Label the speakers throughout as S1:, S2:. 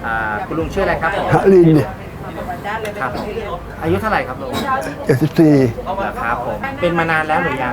S1: คุณลุงชื่ออะไรครับผม
S2: ฮะลินเนี่ย
S1: ครับผมอายุเท่าไหร่ครับลุง
S2: 74
S1: ครับผมเป็นมานานแล้วหรือยัง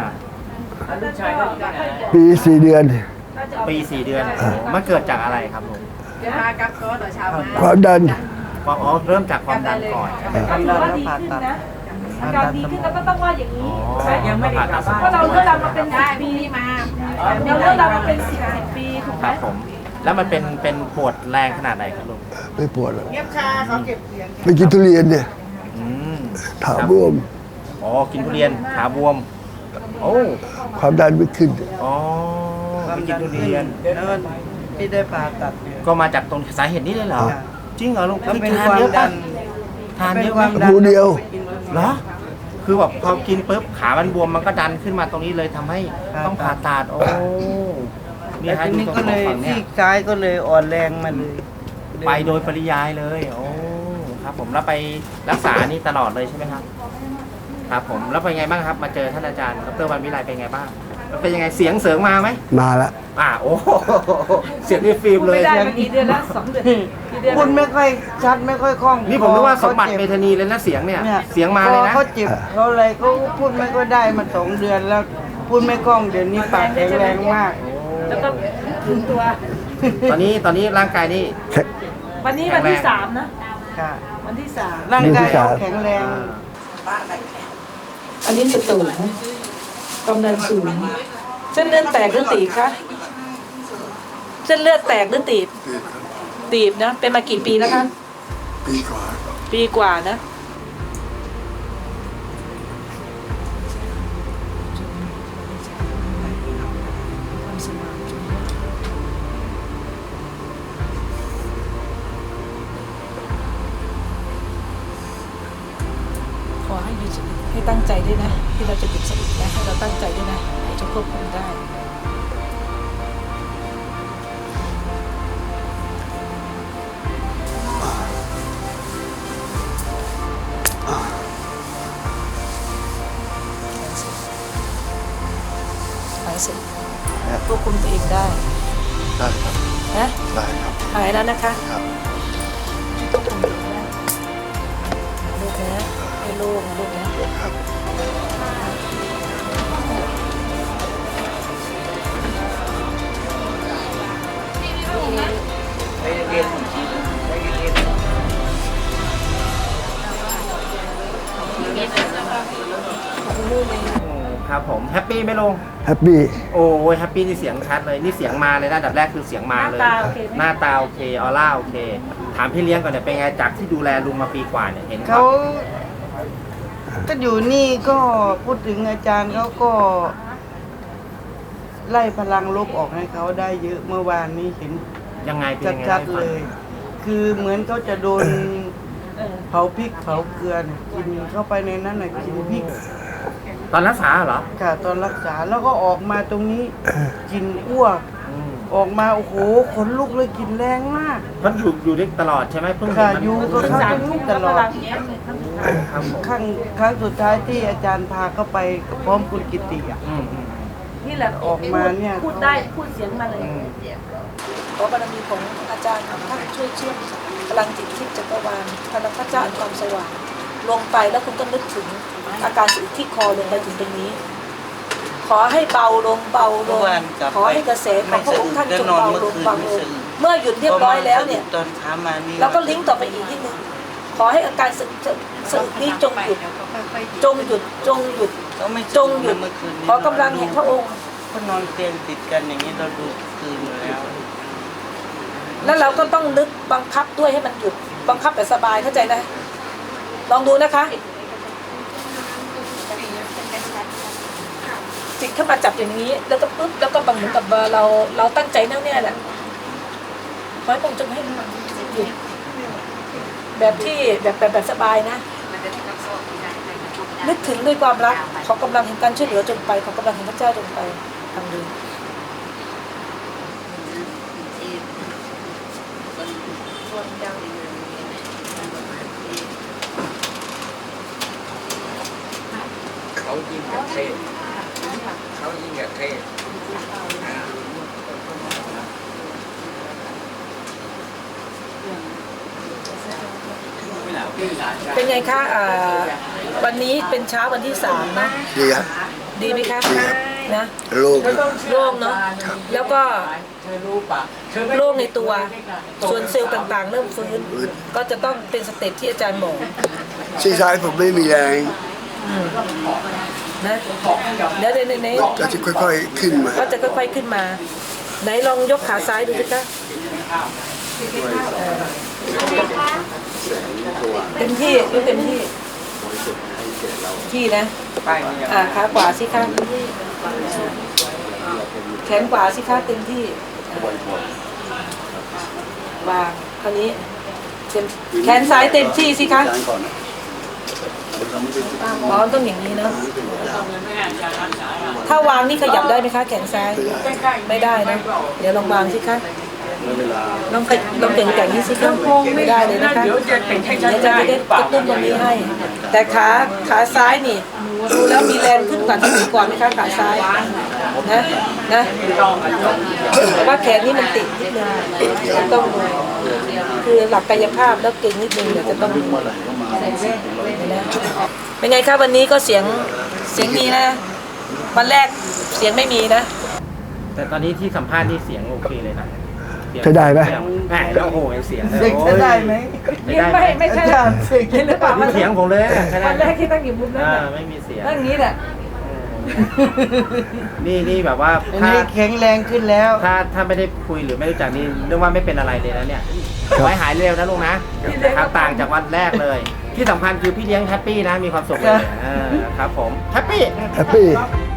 S2: ปี4 เดือน
S1: ปี4 เดือนโอ้มันเกิดจากอะไรครับลุง
S2: ความดัน
S1: ความเริ่มจากความดันก่อน
S3: ก็ถือว่าดีขึ้นนะอาการดีขึ้นแล้วก็ต้องว่าอย่างนี้
S1: ยังไม่ได้กลับบ้าน
S3: เพราะเราเลือกเรามาเป็น10 ปีมาเราเลือกเรามาเป็น10 ปีถูก
S1: ค
S3: ไหม
S1: รับผมแล้วมันเป็นปวดแรงขนาดไหนครับลุง
S2: ไม่ปวดหรอกไปกินทุเรียนเนี่ย
S1: อืม
S2: ถามบวม
S1: อ๋อกินทุเรียนขาบวมโอ้
S2: ความดันไม่ขึ้น
S1: อ๋อไปกินทุเรียน
S4: แล้วที่ได้ผ่าตัดเนี่ย
S1: ก็มาจากตรงสาเหตุนี้เลยเหรอ
S4: จ้ะ
S1: จริงเหรอลุง
S4: แล้วเป็น
S1: ทาน
S4: ความ
S1: เยอะ
S4: ดั
S1: ปะ
S4: น
S1: ทาน
S4: เป็
S1: เย
S4: น
S1: อะ
S4: ควา
S1: ปะ
S4: มดัน
S2: หูเดียว
S1: เหรอคือแบบพอกินปุ๊บขามันบวมมันก็ดันขึ้นมาตรงนี้เลยทำให้ต้องผ่าตัดโอ้
S4: แล้ว
S1: ฮะ
S4: ทีนี้
S1: ดู
S4: ก็
S1: ตรง
S4: เลย
S1: ฝั่ง
S4: ที่
S1: นี่
S4: ซ้ายก็เลยอ่อนแรงมาเลย
S1: ไปโดยปริยายเลยโอ้ครับผมแล้วไปรักษานี่ตลอดเลยใช่ไหมครับครับผมแล้วเป็นไงบ้างครับมาเจอท่านอาจารย์ดร.วันวิไลเป็นไงบ้างแล้วเป็นยังไงเสียงเสริงมาไหม
S2: มาละ
S1: โอ้โหเสียงนี่ฟิล์ม
S3: พูด
S1: เลย
S3: ไม่ได้มากี่เดือนแล้ว2 เดือนกี่เดือน
S4: พูดไม่ค่อยชัดไม่ค่อยคล่อง
S1: นี่ผมนึกว่าสมบัติ
S4: เขา
S1: เม
S4: จ็บ
S1: ธานีเลยนะเสียงเนี่ย
S4: เนี่ย
S1: เสียงมาเลยนะ
S4: เขาเจ็บเขาอะไรเขาพูดไม่ค่อยได้มา2 เดือนแล้วพูดไม่คล่องเดี๋ยวนี้ปากแข็งแรงมาก
S3: แล้วก็ถึงตัว
S1: ตอนนี้ร่างกายนี่
S2: แค่
S3: วันนี้วันที่3นะ
S4: ค่ะ
S3: วันที่3
S4: ร่างกายเขาแข็งแรง
S3: อันนี้จะสูงความดันสูงเส้นเลือดแตกหรือตีบคะเส้นเลือดแตกหรือตีบตีบนะเป็นมากี่ปีแล้วคะปีกว่านะขอให้หยุดสติให้ตั้งใจด้วยนะที่เราจะหยุดสตินะให้เราตั้งใจด้วยนะจะควบคุมได้หายเสร็จควบคุมตัวเองได้
S2: ได้ครับ
S3: นะ
S2: ได้ครับ
S3: หายแล้วนะคะ
S2: ครับ
S3: ควบคุมตัวเองได้ลูกนะให้โล่งนะลูกนะครับ
S1: ครับผมแฮปปี้ไหมลุง
S2: แฮปปี้
S1: โอ้ยแฮปปี้นี่เสียงชัดเลยนี่เสียงมาเลยนะอันดับแรกคือเสียงมาเลย หน้าตาโอเคออร่าโอเค ถามพี่เลี้ยงก่อนเนี่ยเป็นไงจากที่ดูแลลุงมาปีกว่าเนี่ยเห็น
S4: เขาก็อยู่นี่ก็พูดถึงอาจารย์เขาก็ ไล่พลังลบออกให้เขาได้เยอะเมื่อวานนี้เห็น
S1: ยังไงเป็นยังไง
S4: ชัด
S1: ให้
S4: ๆ
S1: ฟั
S4: เล
S1: ง
S4: ย คือเหมือนเขาจะโดนเผาพริกเผาเกลือน่ะกินเข้าไปในนั้นน่ะกินพริก
S1: ตอนรักษาเหรอ
S4: ค่ะตอนรักษาแล้วก็ออกมาตรงนี้กินอ้วก
S1: อืม
S4: ออกมาโอ้โหขนลุกเลยกินแรงมาก
S1: มันอยู่ได้ตลอดใช่ไหมเพิ่งเห็น
S4: ค่ะ
S1: มัน
S4: อยู่ก็
S1: เพิ่ง
S4: เข้า
S1: สา
S4: ตรงนี้ตลอด
S1: ครับผม
S4: ครั้งสุดท้ายที่อาจารย์พาเข้าไปพร้อมคุณกิติอ่ะ
S1: อืม
S3: นี่แหละ
S4: ออกมาเนี่ย
S3: พูดได้พูดเสียงมาเลย
S1: อืม
S3: ขอบารมีของอาจารย์ท่านช่วยเชื่อมพลังจิตทิพย์จักรวาลพลังพระเจ้าอันความสว่างลงไปแล้วคุณก็นึกถึงอาการสุดที่คอลงไปถึงตรงนี้ ขอให้เบาลงเบาลงขอให้กระแสของพระองค์ท่านจงเบาลงเบาลงเมื่อหยุดเรียบร้อยแล้วเนี่ย
S4: ตอนเช้ามานี่
S3: เราก็ลิงก์ต่อไปอีกนิดนึงขอให้อาการสึกนี้จงหยุดจงหยุดจงหยุด
S4: ก็ไม่
S3: จงหยุด
S4: เมื่อคืนนี้
S3: ขอกำลังแห่งพระองค์
S4: ก็นอนเตียงติดกันอย่างนี้เราดูคืนอยู่แล้ว
S3: แล้วเราก็ต้องนึกบังคับด้วยให้มันหยุดบังคับแบบสบายเข้าใจนะลองดูนะคะจิตเข้ามาจับอย่างนี้แล้วก็ปุ๊บแล้วก็บังเหมือนกับเราตั้งใจแน่วแน่แหละขอให้พระองค์จงให้มันหยุดแบบที่แบบสบายนะนึกถึงด้วยความรักขอกำลังแห่งการช่วยเหลือจงไปขอกำลังแห่งพระเจ้าจงไปทำดี
S5: เขายิ่งกับเทศเขายิ่งกับเทศ
S3: เป็นไงคะวันนี้เป็นเช้าวันที่3นะ
S2: ดีครับ
S3: ดีไหมคะ
S2: ดีครับ
S3: นะ
S2: โล่งครับ
S3: โล่งเนาะแล้วก็โล่งในตัวส่วนเซลล์ต่างๆ เริ่มฟื้นก็จะต้องเป็นสเต็ปที่อาจารย์บอก
S2: ซีซ้ายผมไม่มีแรง
S3: นะเดี๋ยวใน
S2: ก็จะค่อยๆขึ้นมา
S3: ก็จะค่อยๆขึ้นมา ไหนลองยกขาซ้ายดูสิคะเต็มที่ยกเต็มที่นะขาขวาสิคะแขนขวาสิคะเต็มที่วางคราวนี้แขนซ้ายเต็มที่สิคะต้องอย่างนี้เนาะถ้าวางนี่ขยับได้ไหมคะแขนซ้ายไม่ได้นะเดี๋ยวลองวางสิคะลองเก่งๆนี่สิคะไม่ได้เลยนะคะเดี๋ยวจะได้กระตุ้นตรงนี้ให้ แต่ขาซ้ายนี่ดูแล้วมีแรงขึ้นกว่าที่ก่อนไหมคะขาซ้ายนะแต่ว่าแขนนี่มันติดนิดนึงต้องดูคือหลักกายภาพแล้วเก่งนิดนึงเดี๋ยวจะต้องดูนะเป็นไงคะวันนี้ก็เสียงดีนะวันแรกเสียงไม่มีนะ
S1: แต่ตอนนี้ที่สัมภาษณ์นี่เสียงโอเคเลยนะเสียง
S2: ใช้ได้ไหม
S1: แหมแล้วโอ้โหเสียง
S4: เด็กจะได้ไหม
S1: ไม่ได้ไหม
S3: ไม่ใช่
S4: เห็นหรือเปล่า
S1: นี่เสียงผมเลยใช่ไหม
S3: วันแรกที่ตั้งอยู่มุมนั้น
S1: ไม่มีเสียง
S3: ตั้งนี้แหละ
S1: นี่แบบว่า
S4: อัน
S1: ถ้า
S4: นี้แข็งแรงขึ้นแล้ว
S1: ถ้าไม่ได้คุยหรือไม่รู้จักนี่เรียกว่าไม่เป็นอะไรเลยนะเนี่ยขอให้หายเร็วนะลุงนะครับต่างจากวันแรกเลย ที่สำคัญคือพี่เลี้ยงแฮปปี้นะมีความสุขเลยครับผมแฮปปี้
S2: แฮปปี้